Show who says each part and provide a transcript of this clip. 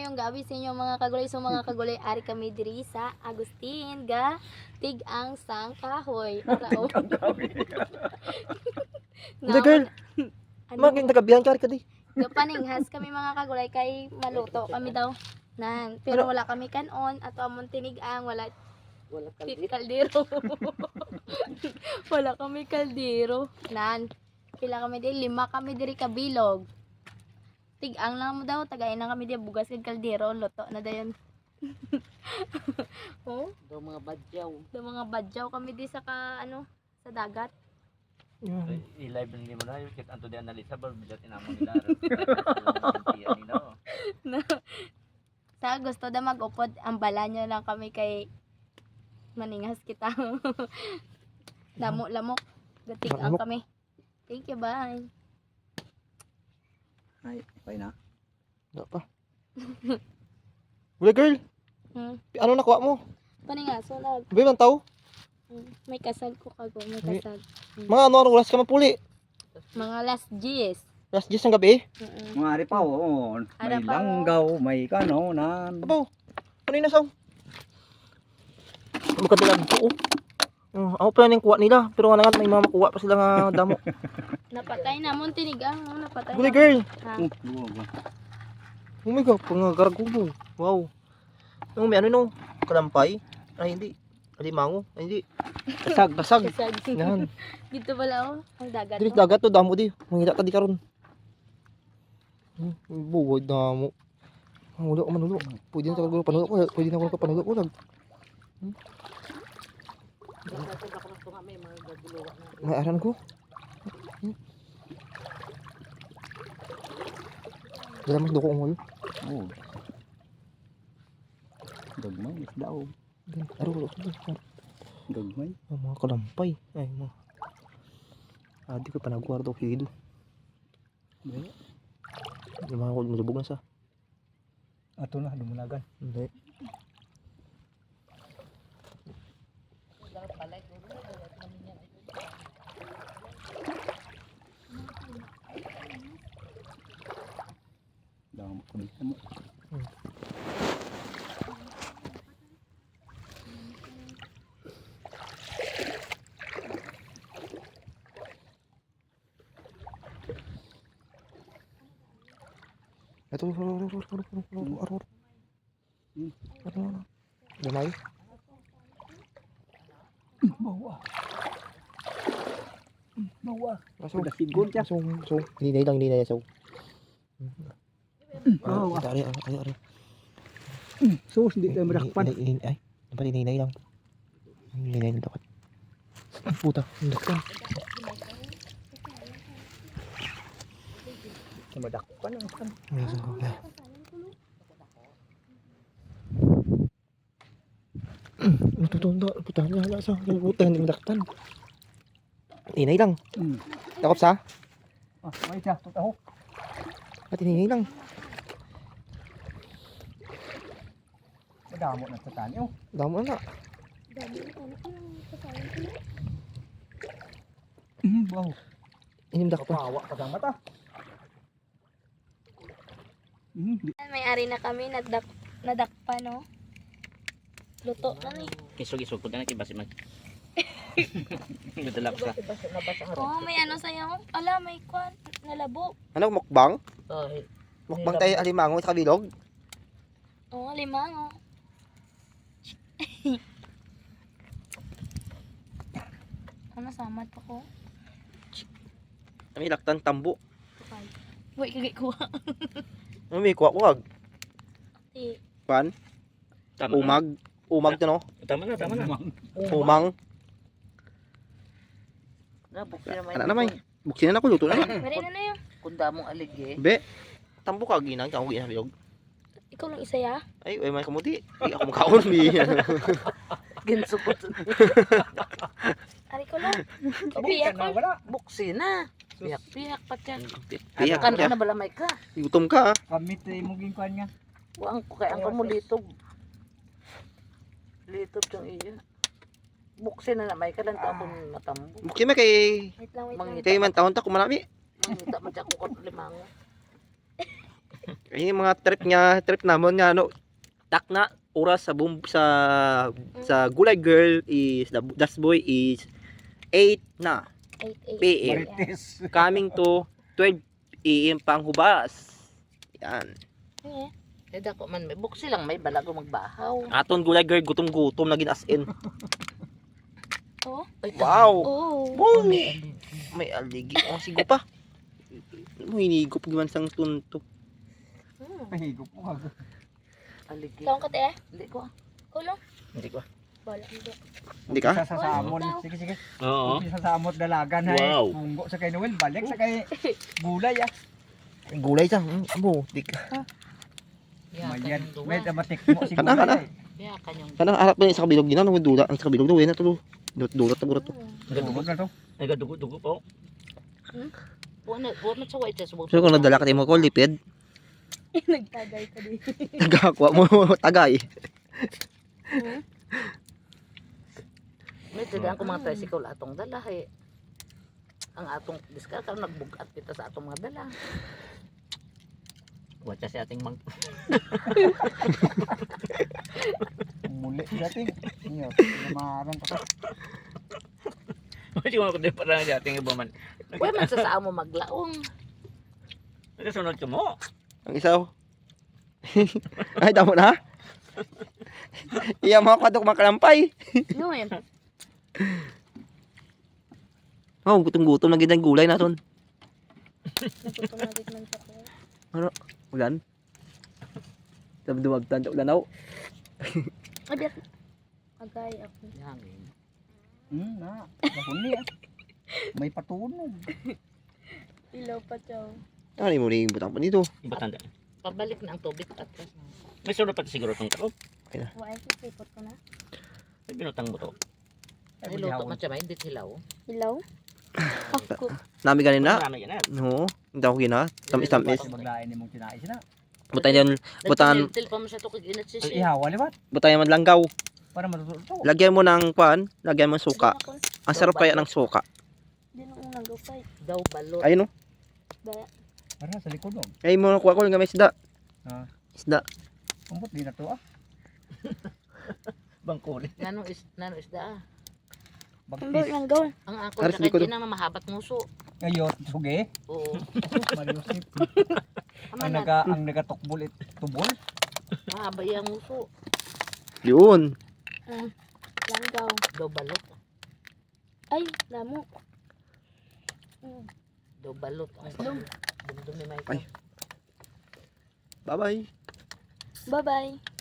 Speaker 1: mayong gabi sa inyo mga kagulay. So mga kagulay, ari kami diri sa Agustin ga Tigang Sang Kahoy. Arao.
Speaker 2: Hindi girl, maging tagabihan ka di.
Speaker 1: Gapaninghas kami mga kagulay kay maluto kami daw. Nan, pero wala kami kanon at amon tinigang, wala kaldero. Wala kami kaldero. Nan, pila kami diri, 5 kami diri kabilog. Tigang lang mo daw, tagayin na kami di bugas kag kaldero, luto na dayon. Oh,
Speaker 3: Do mga badyaw.
Speaker 1: do mga badyaw kami di sa sa dagat.
Speaker 4: I-live nila mo na yung kit anto diyan nalit sa barbidot inamo nila. Nino.
Speaker 1: Sa gusto da mag-upod, ang bala nyo lang kami kay maningas kita. Lamok. Gatigang
Speaker 2: Lamok.
Speaker 1: kami. Thank you, bye.
Speaker 3: Ay, okay na.
Speaker 2: Wala pa. Wala girl, ano nakuha mo?
Speaker 1: Paningaso na.
Speaker 2: Ba man tao?
Speaker 1: May kasal ko kago, may
Speaker 2: May-
Speaker 1: kasal.
Speaker 2: Mga ano oras ka mapuli?
Speaker 1: Mga last G's.
Speaker 2: Last 10 ng gabi?
Speaker 3: Mga ari pa, oo. May
Speaker 1: Ara pa,
Speaker 3: langgaw, may kanonan.
Speaker 2: Abaw, ano yung nasaw? Magkadalag po. Ako pa yung kuha nila, pero nga may mga makuha pa sila nga damo.
Speaker 1: Napatay na mo tinigang, napatay
Speaker 2: Guli
Speaker 1: na.
Speaker 2: girl,
Speaker 1: Ha?
Speaker 2: oh my god, pangagargubo. Wow. Yung may ano no, kalampay? Ay hindi, alimango? Ay hindi,
Speaker 3: Kasag.
Speaker 2: basag.
Speaker 1: Kasag.
Speaker 2: Yan,
Speaker 1: Dito pala ang dagat.
Speaker 2: dili
Speaker 1: Oh.
Speaker 2: dagat to, damo di. Mangita ka di karon. Buwag damo. Ang ulo ko manulo. Pwede na talaga panulo ko, pwede na ako panulo ko lag. May aran ko. Dala mas duko ang ulo.
Speaker 3: Oo. Gagmay, isda o.
Speaker 2: Aro.
Speaker 3: Gagmay.
Speaker 2: Ang mga kalampay. Ay, mga. Di ko pa nagguardo ko hido. Yung mga malubog na sa.
Speaker 3: Ato na, dumulagan.
Speaker 2: Hindi.
Speaker 3: Damo ko dito mo.
Speaker 2: Ito, aro. Gamay.
Speaker 3: Bawa. Bawa.
Speaker 2: Aso.
Speaker 3: Sudah sigon siya.
Speaker 2: So. Hindi na so.
Speaker 3: Bawa.
Speaker 2: Ari.
Speaker 3: Sus, di tayo madakpan.
Speaker 2: Ay, dapat ininay lang. Ininay lang dapat. Puta, dakpan.
Speaker 3: Madakpan ang kan.
Speaker 2: Tutunda, puta niya sa puta hindi madaktan. Inay lang. Takop sa?
Speaker 3: May siya, tutaho.
Speaker 2: At ininay lang.
Speaker 3: Madamo na sa tani oh.
Speaker 2: Damo na.
Speaker 3: Wow.
Speaker 2: Inim dakpan.
Speaker 3: Bawa pa ang mata.
Speaker 1: May ari na kami, nadakpa no. Luto na ni.
Speaker 4: Kisog-isog ko na kibasi mag. Madalak sa.
Speaker 1: Oh, may ano sa'yo? Ala, may kwan. Nalabo.
Speaker 2: Ano mukbang?
Speaker 4: Ay,
Speaker 2: Mukbang tayo alimango sa kabilog.
Speaker 1: Oh, limango. Ano, samad pa ko?
Speaker 2: May laktan tambo.
Speaker 1: Wait, kagay ko.
Speaker 2: May kuha.
Speaker 1: Ti.
Speaker 2: Pan,
Speaker 4: tama.
Speaker 2: umag to no.
Speaker 4: Tama na.
Speaker 2: Umang.
Speaker 3: Nabukti
Speaker 2: Ana na may. Buksin na ko luto na.
Speaker 1: Mari na yun.
Speaker 3: Kunda mong aligye.
Speaker 2: Be. Tambo ka ginang ka ugin bilog.
Speaker 1: Ikaw lang isa ya.
Speaker 2: Ay, may kamuti. Di ako makaon bi.
Speaker 3: Ginsukot.
Speaker 1: Ari ko lang. Piyak ko.
Speaker 3: Buksi na. Piyak pa siya.
Speaker 2: Piyak
Speaker 3: Kan
Speaker 2: ka.
Speaker 3: na balamay ka.
Speaker 2: Gutom ka.
Speaker 3: Kamit mo ginkuan nga. Buang ko kay ang mo litob. Litob tong iya. Buksi na may ka lang tapon matambo.
Speaker 2: Buksin mo kay
Speaker 1: Wait lang.
Speaker 2: kay man taon ta kumanami.
Speaker 3: Mangita man siya kukot limango.
Speaker 2: Ay, yung mga trip namon nga ano, tak na oras sa sa Gulay Girl is Das Boy is 8 na
Speaker 1: 8
Speaker 2: PM.
Speaker 3: Marites.
Speaker 2: Coming to 12 AM pang hubas. Yan.
Speaker 1: Eh,
Speaker 3: Eh dako man may buksi lang may balago magbahaw.
Speaker 2: Aton Gulay Girl gutom-gutom na as in.
Speaker 1: oh.
Speaker 3: Ay,
Speaker 2: Wow.
Speaker 1: Oh.
Speaker 2: Boom. May aligi. Oh, sigo pa. Mo hinigop giman sang tunto.
Speaker 3: Mahigop mo ako. Aligi.
Speaker 1: Saan ka te?
Speaker 3: Hindi ko.
Speaker 1: Kulong?
Speaker 2: Hindi ko.
Speaker 1: Bala, hindi.
Speaker 2: Hindi ka?
Speaker 3: Sa samon. Sige, sige.
Speaker 4: Oo.
Speaker 3: Sa samot dalagan hay.
Speaker 4: Wow.
Speaker 3: Munggo sa kay Noel, balik sa kay gulay ah.
Speaker 2: Gulay sa. Amo, di ka.
Speaker 3: Mayan. May damatik mo si
Speaker 2: Kana, kana.
Speaker 3: gulay.
Speaker 1: Kaya kanyang
Speaker 2: Kanang harap na sa kabilog din ano dula, ang sa kabilog daw na to. Dulot na to.
Speaker 3: Gulog na to.
Speaker 4: Ay, gadugo-dugo po.
Speaker 3: Buwan na sa white sa
Speaker 2: So kung nadala ka mo ko lipid,
Speaker 1: nagtagay ka din.
Speaker 2: nagakuha mo tagay.
Speaker 3: May tidaan ko mga tricycle atong dala hay. Ang atong diskar karon nagbugat kita sa atong mga dala.
Speaker 4: Watcha si ating mang...
Speaker 3: Muli dating. Iyo, maran ka.
Speaker 4: Hindi ko kundi parang si ating iba man.
Speaker 3: Kuya man sa saa mo maglaong.
Speaker 4: Nagkasunod ka mo.
Speaker 2: Ang isaw. Ay damo na. Iya mga kadok makalampay.
Speaker 1: No, eh.
Speaker 2: Oh, gutom-gutom na gid ang gulay naton.
Speaker 1: Naputumagit man sa ko.
Speaker 2: Ulan. Duwag tan ulan aw.
Speaker 1: Agad. Agay ako.
Speaker 3: Hangin. Na. Bakuni ah. May patunog.
Speaker 1: Ilaw pa siya.
Speaker 2: Ano mo ning butang pa nito?
Speaker 4: Iba tanda.
Speaker 3: Pabalik na ang tubig atras.
Speaker 4: May sunod pa siguro itong takop.
Speaker 1: Why sipot ko na?
Speaker 4: May binutang mo to.
Speaker 3: Ay luto man siya may hindi hilaw.
Speaker 1: Ilaw? Ako.
Speaker 2: Nami ganin na.
Speaker 4: Marami yan.
Speaker 2: No, hindi ako gina. Tamis-tamis.
Speaker 3: Maglain ni mong kinain sila.
Speaker 2: Butay yan, butan,
Speaker 3: Til pa mo siya to kag inat
Speaker 2: Eh,
Speaker 3: siya. Ihawa liwat
Speaker 2: butay man langgaw.
Speaker 3: para matututo.
Speaker 2: Lagyan mo ng pan, lagyan mo ng suka. Ang sarap kaya ng suka.
Speaker 1: Hindi na unang gupay.
Speaker 3: Daw balot.
Speaker 2: Ayun no.
Speaker 1: Ba?
Speaker 3: Para sa likod oh.
Speaker 2: Ay mo nakuha ko ng may isda.
Speaker 3: Ah.
Speaker 2: Isda.
Speaker 3: Umbot di na to ah.
Speaker 4: Bangkuli.
Speaker 3: Nano isda ah.
Speaker 1: Ang
Speaker 3: Bagtis.
Speaker 1: lang gaw.
Speaker 3: Ang ako
Speaker 2: Aras,
Speaker 3: na
Speaker 2: likod.
Speaker 3: kay na mahabat nguso.
Speaker 5: Ayot, suge.
Speaker 3: Oo.
Speaker 5: Mariusip.
Speaker 1: Ama
Speaker 5: Ang
Speaker 1: na.
Speaker 5: nagatukbol tubol.
Speaker 3: Mahaba yung nguso.
Speaker 2: Yun.
Speaker 1: Lang gaw.
Speaker 3: Daw balot.
Speaker 1: Ay, damo.
Speaker 3: Daw balot. Ang dumdumi may
Speaker 2: Ay. Bye-bye.
Speaker 1: Bye-bye.